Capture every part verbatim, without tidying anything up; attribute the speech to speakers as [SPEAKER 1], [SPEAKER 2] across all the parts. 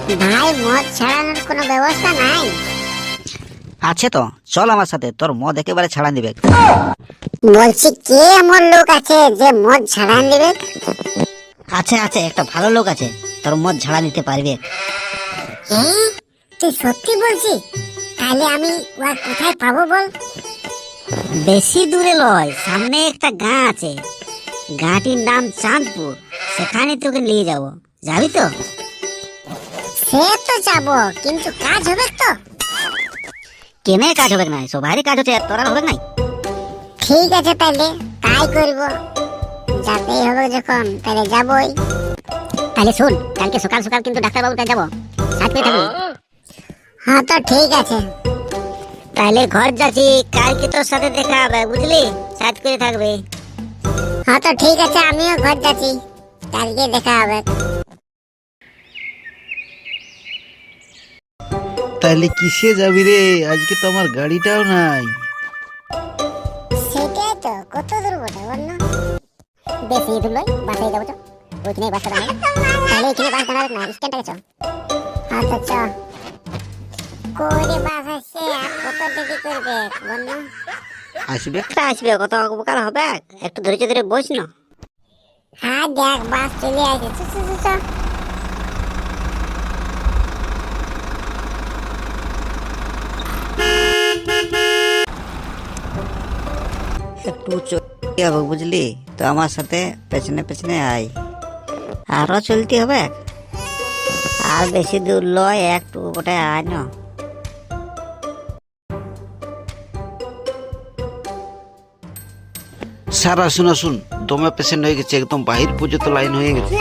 [SPEAKER 1] ভাই মদ ছাড়ানোর কোনো ব্যবস্থা নাই?
[SPEAKER 2] আছে তো, চল আমার সাথে, তোর মদ একেবারে ছাড়া দিবে।
[SPEAKER 1] বলছি কে এমন লোক আছে যে মদ ছাড়ান দিবে?
[SPEAKER 2] আছে আছে, একটা ভালো লোক আছে, তোর মদ ঝাড়া দিতে পারবে।
[SPEAKER 1] হ্যাঁ, তুই সত্যি বলছিস? তাহলে আমি ওর কোথায় পাবো বল?
[SPEAKER 2] বেশি দূরে লয়, সামনে একটা গাঁ আছে, গাঁটির নাম চাঁদপুর, সেখানে তোকে নিয়ে যাব, যাবি তো?
[SPEAKER 1] সে তো যাবো, কিন্তু কাজ হবে তো?
[SPEAKER 2] কেনে কাজ হবে না, সবারই কাজ হচ্ছে, তোর আর হবে নাই?
[SPEAKER 1] ঠিক আছে, তাহলে তাই করব। যাতেই হবে যখন, তাহলে যাবই।
[SPEAKER 2] তাহলে শোন, কালকে সকাল সকাল কিন্তু ডাক্তারবাবুর কাছে যাবো, সাথে থাকবি।
[SPEAKER 1] হ্যাঁ তো ঠিক আছে।
[SPEAKER 2] তাহলে ঘর যাচ্ছি, কালকে তোর সাথে দেখা হবে, বুঝলি? সাথ করে থাকবে।
[SPEAKER 1] হ্যাঁ তো ঠিক আছে, আমিও ঘর যাচ্ছি, কালকে দেখা হবে।
[SPEAKER 3] তাহলে কিসে যাবি রে? আজকে তো আমার গাড়িটাও নাই।
[SPEAKER 1] সেটাই তো, কত দূর বটে বল না? বেশি দূর নয়, বাসায় যাবো তো, ওইখানে বাসা দাঁড়াবে। তাহলে এখানে বাস দাঁড়াবে না, স্ট্যান্ডে চল। হ্যাঁ তো চ। করে বাস আসছে, আর কত দেরি করবে বল না?
[SPEAKER 2] আসবে একটা আসবে, কত উপকার হবে, একটু ধৈর্য ধরে বস না।
[SPEAKER 1] হ্যাঁ দেখ, বাস চলে আসে, চ চ চ চ।
[SPEAKER 2] একটু চলতে হবে, বুঝলি তো? আমার সাথে পেছনে পেছনে আয়, আরো চলতে হবে, আর বেশি দূর লয়, একটু ওটা আয় না।
[SPEAKER 3] স্যার আসুন আসুন, দমে পেশেন্ট হয়ে গেছে, একদম বাহির পর্যন্ত লাইন হয়ে গেছে।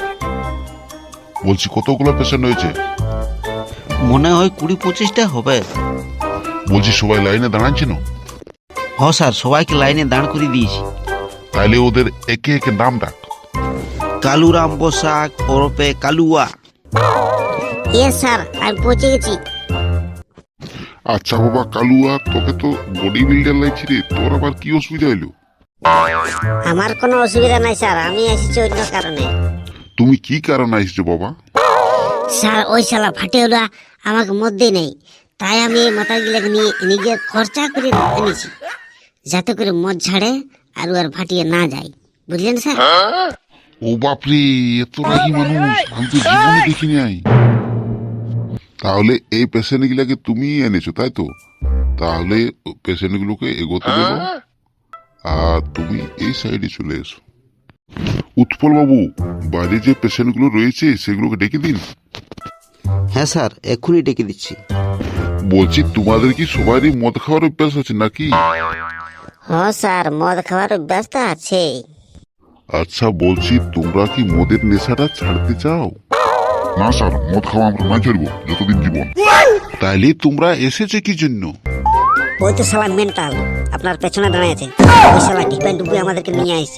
[SPEAKER 4] বলছি কতগুলো পেশেন্ট হয়েছে?
[SPEAKER 3] মনে হয় কুড়ি পঁচিশটা হবে।
[SPEAKER 4] বলছি সবাই লাইনে দাঁড়াচ্ছে না?
[SPEAKER 3] হ স্যার, সবাইকে লাইনে দাঁড় করে দিয়েছি।
[SPEAKER 4] তাহলে ওদের একে একে নাম ডাক।
[SPEAKER 3] কালুরাম বসাক ওরফে কালুয়া।
[SPEAKER 2] ইয়েস স্যার, আমি পৌঁছে গেছি।
[SPEAKER 4] আচ্ছা বাবা কালুয়া, তোকে তো বডি বিল্ডার লাগছে রে, তোর আবার কি অসুবিধা হইলো?
[SPEAKER 2] আমার কোনো অসুবিধা নাই স্যার, আমি এসেছি অন্য কারণে।
[SPEAKER 4] তুমি কি কারণে আসছো বাবা?
[SPEAKER 2] স্যার, ওই শালা ফাটেওলা আমাকে মধ্যে নেই, তাই আমি এই মাথাগুলোকে নিয়ে নিজের খরচা করে এনেছি, যাতে করে মদ ছাড়ে আর আর ফাটিয়ে না যায়, বুঝলেন স্যার?
[SPEAKER 4] ও বাপরে, এত রাগি মানুষ আমি তো জীবনে দেখি নাই। তাহলে এই পেশেন্ট গুলাকে তুমি এনেছো তাই তো? তাহলে পেশেন্ট গুলোকে এগোতে দেবো, আর তুমি এই সাইডে চলে এসো। উৎপল বাবু, বাইরে যে পেশেন্ট গুলো রয়েছে সেগুলোকে ডেকে দিন।
[SPEAKER 3] হ্যাঁ স্যার, এক্ষুনি ডেকে দিচ্ছি।
[SPEAKER 4] বলছি তোমাদের কি সবারই মদ খাওয়ার অভ্যাস আছে নাকি?
[SPEAKER 2] হ্যাঁ স্যার, মদ খাওয়ার অভ্যাস তো আছে।
[SPEAKER 4] আচ্ছা বলছি, তোমরা কি মদের নেশাটা ছাড়তে চাও? না স্যার, মদ খাওয়া আমরা না ছাড়বো যতদিন জীবন। তাইলে তোমরা এসেছে কি জন্য?
[SPEAKER 2] ওই তো শালা মেন্টাল আপনার পেছনে দাঁড়িয়ে আছে, ওই শালা ডিপেন্ড ডুবে আমাদেরকে নিয়ে আসছে।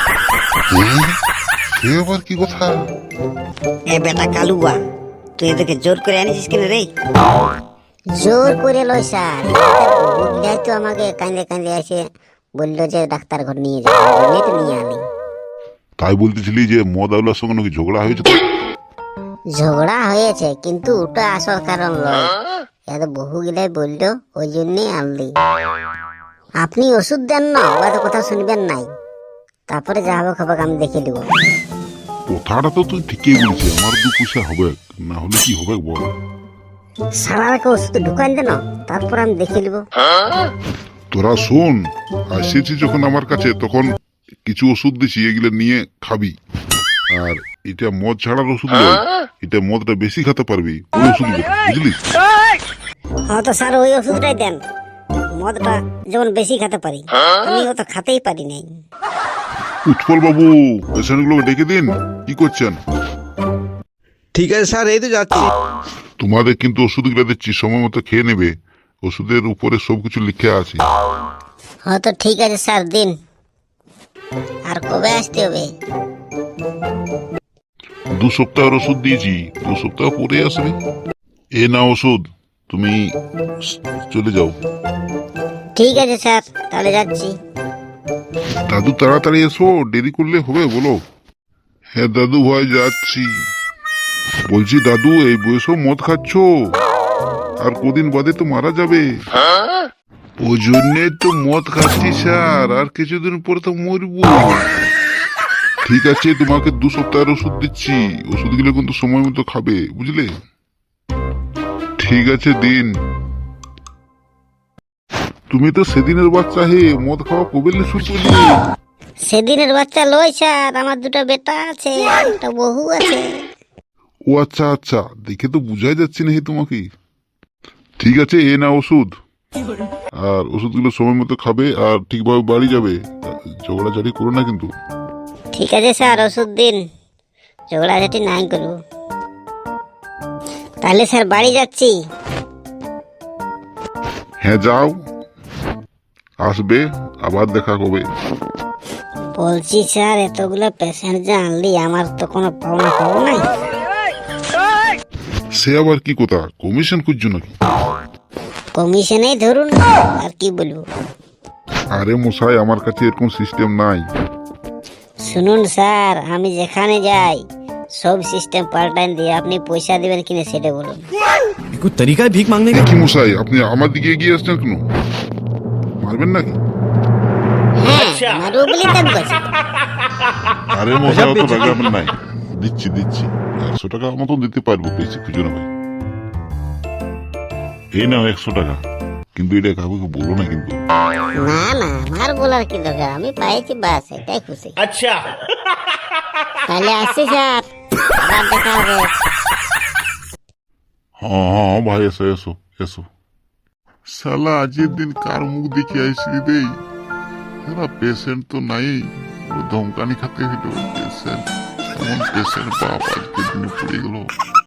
[SPEAKER 4] সে আবার কি কথা?
[SPEAKER 2] এ বেটা কালুয়া, তুই এদেরকে জোর করে আনিছিস কেন রে? জোর করে লয় স্যার, বুঝলাই তো আমাকে কাঁদে কাঁদে আসে বললো যে ডাক্তার ঘর নিয়ে যাবে, তো নিয়ে আনি।
[SPEAKER 4] তাই বলতেছিলি যে মদ আউলার সঙ্গে নাকি ঝগড়া হয়েছে? তো
[SPEAKER 2] ঝগড়া হয়েছে, কিন্তু ওটা আসল কারণ নয়, এত বহু গিলাই বললো, ওই জন্যই আনলি। আপনি ওষুধ দেন না, ওটা কথা শুনবেন নাই, তারপরে যা হবে খবর আমি দেখে দেবো।
[SPEAKER 4] কথাটা তো তুই ঠিকই বলছিস, আমার দু পয়সা হবে, না হলে কি হবে বল?
[SPEAKER 2] সারাকে ওষুধ ঢুকান দেন, তারপর আমি দেখে নেবো।
[SPEAKER 4] তোরা শোন, আসেছি যখন আমার কাছে, তখন কিছু ওষুধ দিছি, এগুলো নিয়ে খাবি। আর এটা মদ ছাড়ার ওষুধ নয়, এটা মদটা বেশি খেতে পারবি, ওই ওষুধ বুঝলি?
[SPEAKER 2] হ্যাঁ তো স্যার, ওই ওষুধটাই দেন, মদটা যেমন বেশি খেতে পারি, আমি ও তো খেতেই পারি নাই।
[SPEAKER 4] উৎপল বাবু, পেশেন্ট গুলোকে ডেকে দিন। কি করছেন?
[SPEAKER 3] ঠিক আছে স্যার, এই তো যাচ্ছি।
[SPEAKER 4] তোমাদের কিন্তু ওষুধগুলো দিচ্ছি, সময় মতো খেয়ে নেবে, ওষুধের উপরে সবকিছু লিখে আছে।
[SPEAKER 2] হ্যাঁ তো ঠিক আছে স্যার, দিন। আর কবে আসতে হবে?
[SPEAKER 4] দু সপ্তাহের ওষুধ দিয়েছি, দু সপ্তাহ পরে আসবে। এ না ওষুধ, তুমি চলে যাও।
[SPEAKER 2] ঠিক আছে স্যার, তাহলে যাচ্ছি।
[SPEAKER 4] দাদু তাড়াতাড়ি এসো, দেরি করলে হবে বলো। হ্যাঁ দাদু ভাই, যাচ্ছি। বলছি দাদু, এই বয়সেও মদ খাচ্ছ? আর কদিন বাদে তো মারা যাবে। ওই জন্যে তো মদ খাচ্ছি স্যার, আর কিছুদিন পরে তো মরবো। ঠিক আছে, তোমাকে দু সপ্তাহের ওষুধ দিচ্ছি, ওষুধগুলো কিন্তু সময় মতো খাবে, বুঝলে? ঠিক আছে দিন। তুমি তো সেদিনের বাচ্চা হে, মদ খাওয়া কবে শুরু করলে?
[SPEAKER 2] সেদিনের বাচ্চা লই স্যার, আমার দুটো বেটা আছে, একটা বহু আছে।
[SPEAKER 4] ও আচ্ছা আচ্ছা, দেখে তো বুঝাই যাচ্ছে না হে তোমাকে। ঠিক আছে, এ না ওষুধ, আর ওষুধগুলো সময় মতো খাবে আর ঠিকভাবে বাড়ি যাবে। ঝগড়াঝাড়ি করো না কিন্তু।
[SPEAKER 2] ঠিক আছে স্যার, ওষুধ দিন, ঝগড়াঝাটি নাই করবো। তাহলে স্যার বাড়ি যাচ্ছি।
[SPEAKER 4] হ্যাঁ যাও, আসবে আবার দেখা হবে।
[SPEAKER 2] বলছি স্যার, এতগুলো পেশেন্ট যে আনলি, আমার তো কোনো পাওনা পাবো নাই?
[SPEAKER 4] সে আবার কি কথা, কমিশন খুঁজছো নাকি?
[SPEAKER 2] কমিশনেই ধরুন, আর কি বলবো।
[SPEAKER 4] আরে মশাই, আমার কাছে এরকম সিস্টেম নাই।
[SPEAKER 2] শুনুন স্যার, আমি যেখানে যাই সব সিস্টেম পাল্টান দিয়ে, আপনি পয়সা দিবেন কিনা সেটা বলুন।
[SPEAKER 5] कोई तरीका है भीख मांगने का?
[SPEAKER 4] কি মশাই, আপনি আমার দিকে এগিয়ে আসছেন কেন? মারবেন নাকি?
[SPEAKER 2] হ্যাঁ, মারবো বলি তো বলছি।
[SPEAKER 4] আরে মশাই, অত রাগাবেন নাই, দিচ্ছি দিচ্ছি। একশো টাকা মতন দিতে পারবো, বেশি খুঁজো না ভাই। এই নাও একশো টাকা, কিন্তু এটা কাউকে বলো না কিন্তু।
[SPEAKER 2] না না, আমার বলার কি দরকার, আমি পাইছি বাস, এটাই খুশি। আচ্ছা, তাহলে আসছি স্যার, আবার দেখা হবে।
[SPEAKER 4] হ্যাঁ হ্যাঁ ভাই, এসো এসো এসো। শালা আজকের দিন কার মুখ দেখে আইসি দেই? শালা পেশেন্ট তো নাই, ও ধমকানি খাতে হইল। পেশেন্ট এমন পেশেন্ট বাপ আজকের দিনে পড়ে গেল।